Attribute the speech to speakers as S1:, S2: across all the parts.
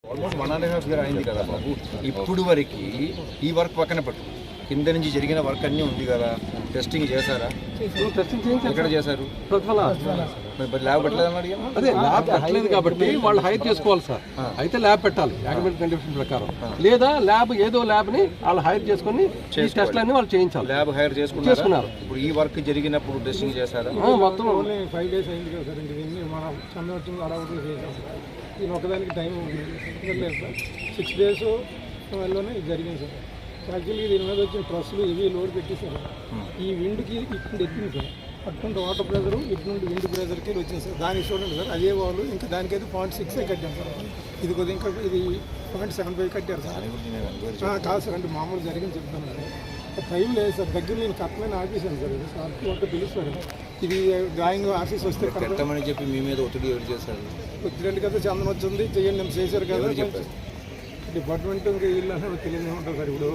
S1: Almost 1.5 year అయింది కదా బాబు. ఇప్పుడు వరకు ఈ వర్క్ పక్కన పెట్టు, కింద నుంచి జరిగిన వర్క్ అన్నీ ఉంది కదా, టెస్టింగ్ చేశారా? ఎక్కడ చేశారు? ల్యాబ్ పెట్టలేదని అడిగాను.
S2: అదే ల్యాబ్ పెట్టలేదు కాబట్టి వాళ్ళు హైర్ చేసుకోవాలి సార్. అయితే ల్యాబ్ పెట్టాలి అగ్రిమెంట్ కండిషన్ ప్రకారం, లేదా ల్యాబ్ ఏదో ల్యాబ్ని వాళ్ళు హైర్ చేసుకుని ఈ టెస్ట్లన్నీ వాళ్ళు చేయించాలి.
S1: ల్యాబ్ హైర్ చేసుకున్నారు. ఇప్పుడు ఈ వర్క్ జరిగినప్పుడు టెస్టింగ్ చేశారా?
S3: మొత్తం 5 days అయింది కదా సార్. ఇంక దీన్ని మనం చంద్రవచ్చింది అడవులు చేసాం సార్. దీని ఒకదానికి టైం లేదు సార్. 6 days లోనే ఇది జరిగింది సార్. యాక్చువల్లీ దీని మీద వచ్చిన ట్రస్సులు ఇవి లోడ్ పెట్టేశారు. ఈ విండ్కి ఇక్కడ ఎక్కింది సార్. అటువంటి వాటర్ ప్రెజరు ఇటు నుండి విండ్ ప్రెజర్కి వచ్చింది సార్. దానికి చూడండి సార్, అదే వాళ్ళు ఇంకా దానికైతే 0.6 కట్టాం సార్. ఇది కొద్దిగా ఇంకా ఇది 0.75 కట్టారు సార్. కాదు సార్, అంటే మామూలు జరిగింది చెప్తాను సార్. టైం లేదు సార్, దగ్గర నేను కట్టమని ఆఫీసాను సార్. ఇది సార్ ఒక పిలుస్తారు. ఇది డ్రాయింగ్ ఆఫీస్ వస్తే
S1: కట్టమని చెప్పి మీ మీద ఒత్తిడి ఎవరు చేశారు?
S3: ఒత్తిడి కదా, చందన వచ్చింది చెయ్యండి నేను చేశారు కదా. డిపార్ట్మెంట్ ఇంకా వీళ్ళు అనేది తెలియదు ఉంటుంది సార్. ఇప్పుడు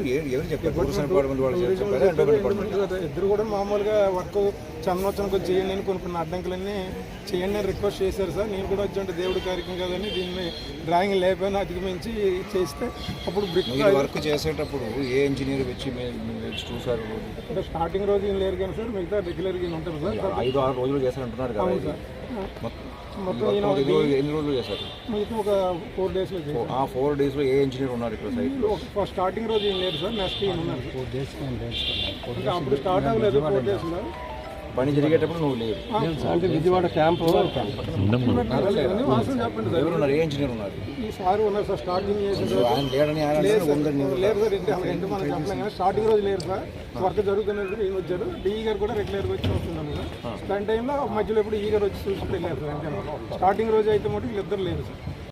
S3: ఇద్దరు కూడా మామూలుగా వర్క్ చందనోత్సవం కొంచెం చేయండి అని కొన్ని అడ్డంకులన్నీ చేయండి అని రిక్వెస్ట్ చేశారు సార్. నేను కూడా వచ్చి దేవుడి కార్యక్రమం కదని దీన్ని డ్రాయింగ్ లేకపోయినా అధిగమించి చేస్తే అప్పుడు బ్రిక్
S1: వర్క్ చేసేటప్పుడు ఏ ఇంజనీర్ వచ్చి చూసారు?
S3: అంటే స్టార్టింగ్ రోజు ఏం లేరు కానీ సార్, మిగతా రెగ్యులర్గా ఉంటారు సార్.
S1: 5-6 రోజులు చేశారంటున్నారు కదా సార్. మొత్తం ఎన్ని రోజులు చేశారు?
S3: మిగతా ఒక 4 days.
S1: ఆ 4 days ఏ ఇంజనీర్ ఉన్నారు ఇక్కడ సైట్లో?
S3: స్టార్టింగ్ రోజు ఏం లేదు సార్, నెక్స్ట్ ఉన్నారు 4 days. ఇంకా అప్పుడు స్టార్ట్ అవ్వలేదు 4 days.
S1: పని జరిగేటప్పుడు నువ్వు లేదు
S2: అంటే విజయవాడ క్యాంప్
S1: ఎవరున్నారు? ఏ ఇంజనీర్ ఉన్నారు?
S3: ఈ సార్ ఉన్నారు సార్. స్టార్టింగ్
S1: ఆయన లేడని
S3: లేదు సార్. ఇంటి మనం చెప్పలేం కానీ స్టార్టింగ్ రోజు లేదు సార్. వర్క్ జరుగుతున్నప్పుడు ఈయన వచ్చారు. డిఈ గారు కూడా రెగ్యులర్గా వచ్చి వస్తున్నాను సార్. దాని టైంలో మధ్యలో ఎప్పుడు ఈ గారు వచ్చి చూసి వెళ్ళారు సార్. అంటే స్టార్టింగ్ రోజు అయితే మటు వీళ్ళిద్దరు లేరు సార్.